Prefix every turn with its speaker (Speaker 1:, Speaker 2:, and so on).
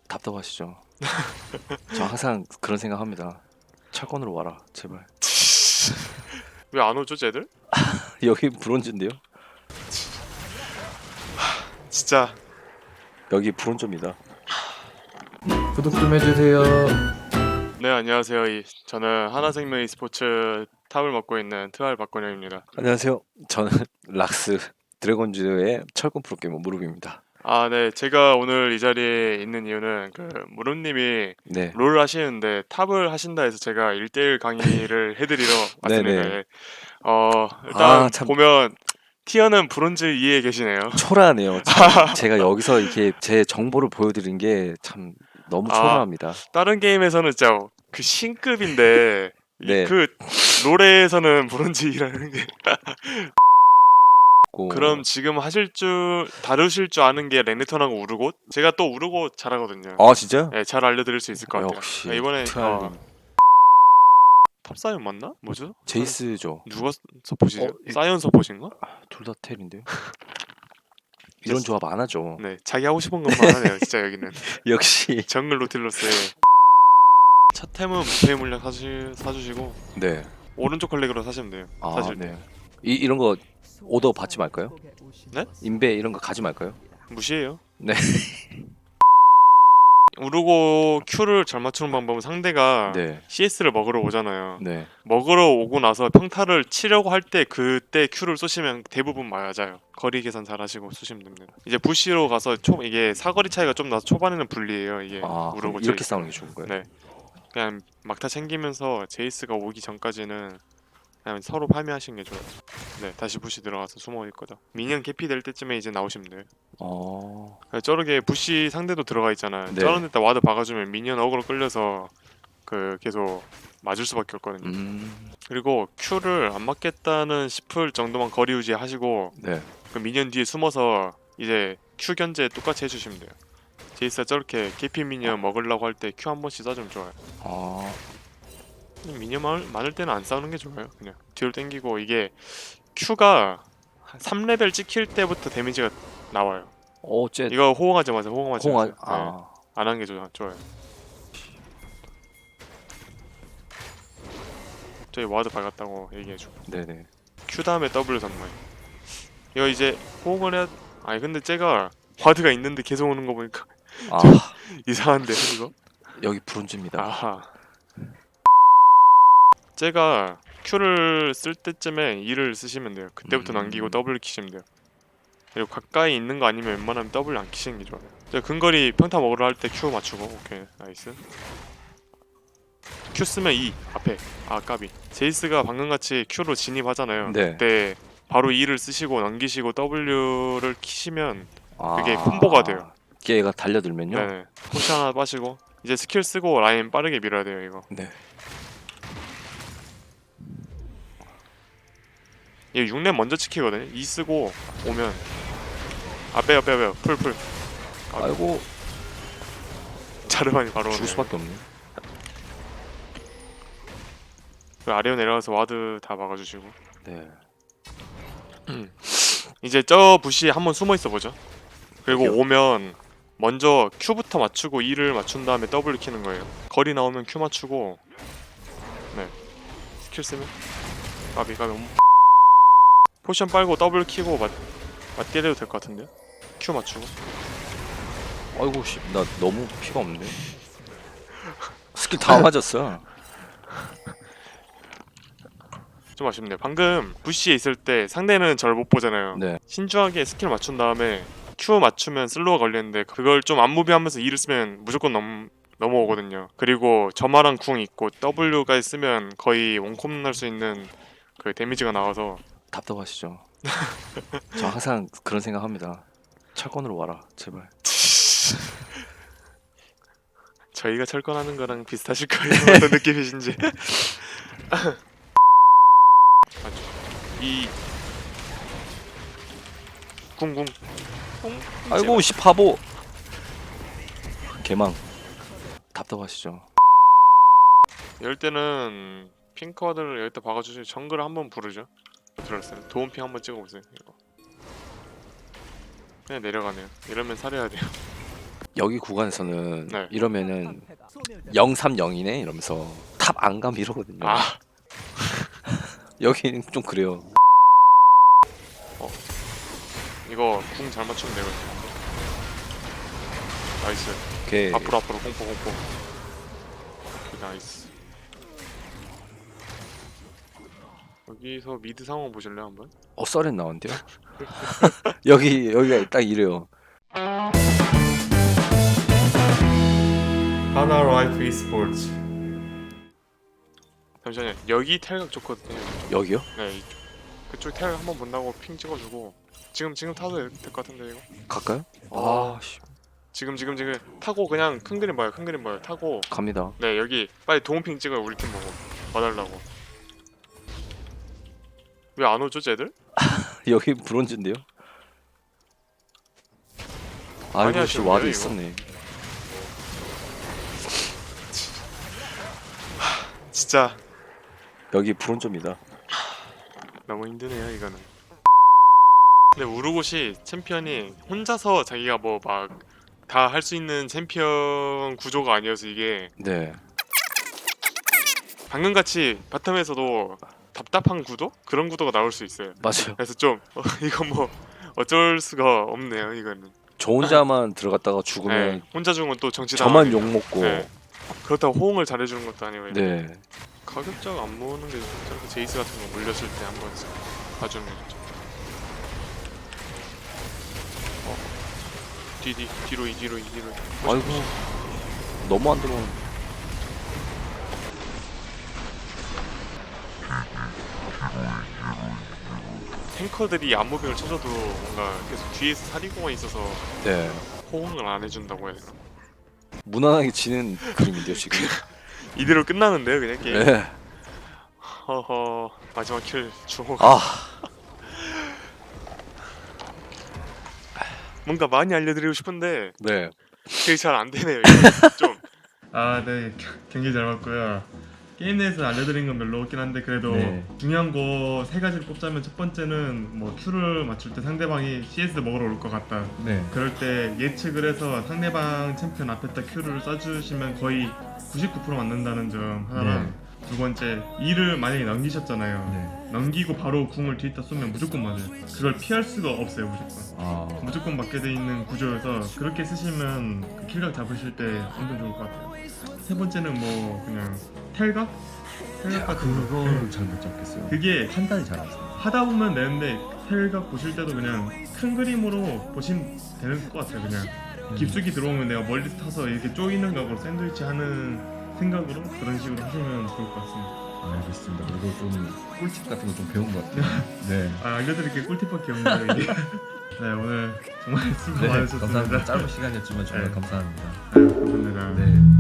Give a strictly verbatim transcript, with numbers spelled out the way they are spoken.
Speaker 1: 답답하시죠? 저 항상 그런 생각합니다. 철권으로 와라 제발.
Speaker 2: 왜 안 오죠, 쟤들?
Speaker 1: 여기 브론즈인데요?
Speaker 2: 진짜.
Speaker 1: 여기 브론즈입니다.
Speaker 3: 구독 좀 해주세요.
Speaker 2: 네, 안녕하세요. 이, 저는 하나생명 e스포츠 탑을 맡고 있는 트알 박건영입니다.
Speaker 1: 안녕하세요. 저는 락스 드래곤즈의 철권 프로게이머 무릎입니다.
Speaker 2: 아, 네. 제가 오늘 이 자리에 있는 이유는 그 무릎님이
Speaker 1: 네.
Speaker 2: 롤을 하시는데 탑을 하신다 해서 제가 일 대일 강의를 해드리러 왔습니다.
Speaker 1: 네네.
Speaker 2: 예. 어, 일단
Speaker 1: 아, 참.
Speaker 2: 보면 티어는 브론즈 이에 계시네요.
Speaker 1: 초라하네요. 참, 제가 여기서 이렇게 제 정보를 보여드린 게 참 너무
Speaker 2: 아.
Speaker 1: 초라합니다.
Speaker 2: 다른 게임에서는 진짜 그 신급인데
Speaker 1: 네.
Speaker 2: 그 롤에서는 브론즈 이라는 게
Speaker 1: 고...
Speaker 2: 그럼 지금 하실 줄 다루실 줄 아는 게 레네톤하고 우르고 제가 또 우르고 잘하거든요.
Speaker 1: 아 진짜요?
Speaker 2: 네, 잘 알려드릴 수 있을 것 같아요.
Speaker 1: 역시
Speaker 2: 네, 이번에
Speaker 1: 트알님.
Speaker 2: 어, 탑사이언 맞나? 뭐죠?
Speaker 1: 제이스죠.
Speaker 2: 누가 서포시죠?
Speaker 1: 어, 이-
Speaker 2: 사이언 서포신가?
Speaker 1: 둘 다 텔인데요? 이런 조합 안 하죠.
Speaker 2: 네, 자기 하고 싶은 것만 하네요. 진짜 여기는
Speaker 1: 역시.
Speaker 2: 정글 노틸러스의 첫 템은 무패 물량 사주, 사주시고
Speaker 1: 네.
Speaker 2: 오른쪽 클릭으로 사시면 돼요.
Speaker 1: 아
Speaker 2: 사실
Speaker 1: 네. 이 이런 거 오더 받지 말까요?
Speaker 2: 네?
Speaker 1: 인베 이런 거 가지 말까요?
Speaker 2: 무시해요.
Speaker 1: 네.
Speaker 2: 우르고 Q를 잘 맞추는 방법은 상대가
Speaker 1: 네.
Speaker 2: 씨에스를 먹으러 오잖아요.
Speaker 1: 네.
Speaker 2: 먹으러 오고 나서 평타를 치려고 할 때 그때 Q를 쏘시면 대부분 맞아요. 거리 계산 잘 하시고 쏘시면 됩니다. 이제 부시로 가서 초 이게 사거리 차이가 좀 나서 초반에는 불리해요. 이게
Speaker 1: 아 그럼
Speaker 2: 우르고
Speaker 1: 이렇게
Speaker 2: 제이스.
Speaker 1: 싸우는 게 좋은 거예요?
Speaker 2: 네. 그냥 막타 챙기면서 제이스가 오기 전까지는 그냥 서로 파밍하시는 게 좋아요. 네, 다시 부시 들어가서 숨어 있거든. 미니언 캐피 될 때쯤에 이제 나오시면 돼요.
Speaker 1: 어.
Speaker 2: 저렇게 부시 상대도 들어가 있잖아요.
Speaker 1: 네.
Speaker 2: 저런 데다 와드 박아주면 미니언 어그로 끌려서 그 계속 맞을 수밖에 없거든요.
Speaker 1: 음.
Speaker 2: 그리고 Q를 안 맞겠다는 싶을 정도만 거리 유지하시고
Speaker 1: 네.
Speaker 2: 그 미니언 뒤에 숨어서 이제 Q 견제 똑같이 해주시면 돼요. 제이스가 저렇게 케이피 미니언 먹으려고 할 때 Q 한 번씩 쏴주면 좋아요.
Speaker 1: 아.
Speaker 2: 미니언 많을, 많을 때는 안 싸우는 게 좋아요. 그냥 뒤로 당기고 이게 Q가 삼 레벨 찍힐 때부터 데미지가 나와요.
Speaker 1: 어째
Speaker 2: 이거 호응하지 마세요. 호응하지
Speaker 1: 홍아
Speaker 2: 마세요. 네.
Speaker 1: 아.
Speaker 2: 안 하는 게 좋아, 좋아요. 저희 와드 박았다고 얘기해줘.
Speaker 1: 네네.
Speaker 2: Q 다음에 W 선물. 이거 이제 호응을 해야. 아니 근데 쟤가 와드가 있는데 계속 오는 거 보니까
Speaker 1: 아
Speaker 2: 이상한데 이거.
Speaker 1: 여기 브론즈입니다.
Speaker 2: 아하. 쟤가 Q를 쓸 때쯤에 E를 쓰시면 돼요. 그때부터
Speaker 1: 음.
Speaker 2: 남기고 W 키시면 돼요. 그리고 가까이 있는 거 아니면 웬만하면 W 안 키시는 게 좋아요. 저 근거리 평타 먹으러 할 때 Q 맞추고. 오케이 나이스. Q 쓰면 E 앞에. 아 까비. 제이스가 방금같이 Q로 진입하잖아요.
Speaker 1: 네.
Speaker 2: 그때 바로 E를 쓰시고 넘기시고 W를 키시면 그게
Speaker 1: 아.
Speaker 2: 콤보가 돼요.
Speaker 1: 얘가 달려들면요.
Speaker 2: 네. 포시 하나 빠시고 이제 스킬 쓰고 라인 빠르게 밀어야 돼요 이거.
Speaker 1: 네.
Speaker 2: 이게 육 렙 먼저 지키거든요. E 쓰고 오면 아 빼요 빼요 빼요 풀풀.
Speaker 1: 아이고
Speaker 2: 자르반이 바로 오네.
Speaker 1: 죽을 수밖에 없네.
Speaker 2: 그 아래로 내려가서 와드 다 막아주시고
Speaker 1: 네.
Speaker 2: 이제 저 부시 한번 숨어 있어 보죠. 그리고
Speaker 1: 여기요?
Speaker 2: 오면 먼저 Q부터 맞추고 E를 맞춘 다음에 W 키는 거예요. 거리 나오면 Q 맞추고 네 스킬 쓰면 까비 까비 포션 빨고 W 키고 맞 맞때려도 될 것 같은데요? Q 맞추고
Speaker 1: 아이고 씨, 나 너무 피가 없는데. 스킬 다 맞았어.
Speaker 2: 좀 아쉽네요. 방금 부시에 있을 때 상대는 저를 못 보잖아요.
Speaker 1: 네.
Speaker 2: 신중하게 스킬 맞춘 다음에 Q 맞추면 슬로우 걸리는데 그걸 좀 안무비하면서 E를 쓰면 무조건 넘 넘어오거든요. 그리고 점화랑 궁 있고 W가 쓰면 거의 원콤 날 수 있는 그 데미지가 나와서
Speaker 1: 답답하시죠? 저 항상 그런 생각합니다. 철권으로 와라 제발.
Speaker 2: 저희가 철권하는 거랑 비슷하실 거예요. 어떤 느낌이신지. 이 궁궁 궁.
Speaker 1: 아이고 씨 바보. 개망. 답답하시죠?
Speaker 2: 이럴 때는 핑크와드를 여기다 박아주시고 정글을 한번 부르죠. 들었어요. 도움핑 한번 찍어보세요. 이거. 그냥 내려가네요. 이러면 살해야 돼요.
Speaker 1: 여기 구간에서는
Speaker 2: 네.
Speaker 1: 이러면은 영 삼 영이네 이러면서 탑 안 감 이러거든요.
Speaker 2: 아
Speaker 1: 여기는 좀 그래요.
Speaker 2: 이거 궁 잘 맞추면 되거든요. 나이스.
Speaker 1: 오케이.
Speaker 2: 앞으로 앞으로 공포 공포. 오케이, 나이스. 여기서 미드 상황 보실래요 한번?
Speaker 1: 어 썰은 나온대요. 여기 여기가 딱 이래요.
Speaker 3: 하나 라이프 e스포츠.
Speaker 2: 잠시만요. 여기 탈각 좋거든요.
Speaker 1: 여기요?
Speaker 2: 네 이쪽. 그쪽 탈각 한번 본다고 핑 찍어주고 지금 지금 타도 될 것 같은데 이거.
Speaker 1: 갈까요?
Speaker 2: 아.
Speaker 1: 아 씨.
Speaker 2: 지금 지금 지금 타고 그냥 큰 그림 봐요. 큰 그림 봐요. 타고
Speaker 1: 갑니다.
Speaker 2: 네 여기 빨리 도움핑 찍어요. 우리 팀 보고 와달라고. 왜 안 오죠 쟤들?
Speaker 1: 여기 브론즈인데요?
Speaker 2: 많이
Speaker 1: 아이고 씨
Speaker 2: 하시는데요,
Speaker 1: 와도
Speaker 2: 이거?
Speaker 1: 있었네.
Speaker 2: 진짜
Speaker 1: 여기 브론즈입니다.
Speaker 2: 너무 힘드네요 이거는. 근데 우르고시 챔피언이 혼자서 자기가 뭐 막 다 할 수 있는 챔피언 구조가 아니어서 이게
Speaker 1: 네.
Speaker 2: 방금 같이 바텀에서도 답답한 구도? 그런 구도가 나올 수 있어요.
Speaker 1: 맞아요.
Speaker 2: 그래서 좀 어, 이거 뭐 어쩔 수가 없네요 이거는.
Speaker 1: 저 혼자만 들어갔다가 죽으면
Speaker 2: 네, 혼자 죽으면 또 정치
Speaker 1: 저만
Speaker 2: 당하겠죠.
Speaker 1: 욕 먹고.
Speaker 2: 네. 그렇다고 호응을 잘해주는 것도 아니고
Speaker 1: 네.
Speaker 2: 가격적 안 모으는 게 저렇게 제이스 같은 거 물렸을 때 한번 봐주는 거 좋죠. 어. 뒤, 뒤, 뒤로 이 뒤로 이 뒤로 이.
Speaker 1: 아이고 너무 안 들어오는.
Speaker 2: 탱커들이 안무빙을 쳐줘도 뭔가 계속 뒤에서 사리공이 있어서
Speaker 1: 네.
Speaker 2: 호응을 안 해준다고 해야 되나?
Speaker 1: 무난하게 지는 그림인데요 지금.
Speaker 2: 이대로 끝나는데요 그냥 게임.
Speaker 1: 네.
Speaker 2: 허허 마지막 킬 주호.
Speaker 1: 아
Speaker 2: 뭔가 많이 알려드리고 싶은데
Speaker 1: 네.
Speaker 2: 그게 잘 안 되네요. 이거 좀.
Speaker 4: 아, 네. 경기 잘 봤고요. 게임 내에서 알려드린 건 별로 없긴 한데 그래도
Speaker 3: 네.
Speaker 4: 중요한 거 세 가지를 꼽자면 첫 번째는 뭐 Q를 맞출 때 상대방이 씨에스 먹으러 올 것 같다.
Speaker 3: 네.
Speaker 4: 그럴 때 예측을 해서 상대방 챔피언 앞에다 Q를 쏴주시면 거의 구십구 퍼센트 맞는다는 점 하나랑 두 번째 E를 만약에 넘기셨잖아요.
Speaker 3: 네.
Speaker 4: 넘기고 바로 궁을 뒤에다 쏘면 무조건 맞아요. 그걸 피할 수가 없어요 무조건.
Speaker 3: 아.
Speaker 4: 무조건 맞게 돼 있는 구조여서 그렇게 쓰시면 그 킬각 잡으실 때 엄청 좋을 것 같아요. 세 번째는 뭐 그냥 텔각? 텔각 같은 거.
Speaker 3: 그거를 잘 못 잡겠어요.
Speaker 4: 그게
Speaker 3: 판단이 잘 안 돼요.
Speaker 4: 하다 보면 되는데 텔각 보실 때도 그냥 큰 그림으로 보시면 되는 것 같아요. 그냥
Speaker 3: 음.
Speaker 4: 깊숙이 들어오면 내가 멀리서 타서 이렇게 쪼이는 각으로 샌드위치 하는 생각으로 그런 식으로 하시면 좋을 것 같습니다.
Speaker 3: 알겠습니다. 그리고 좀 꿀팁 같은 거 좀 배운 것 같아요. 네.
Speaker 4: 아, 알려드릴 게 꿀팁밖에 없네요 이게. 네 오늘 정말 수고
Speaker 3: 네.
Speaker 4: 많으셨습니다.
Speaker 3: 감사합니다. 짧은 시간이었지만 정말
Speaker 4: 네.
Speaker 3: 감사합니다.
Speaker 4: 아유, 감사합니다.
Speaker 3: 네.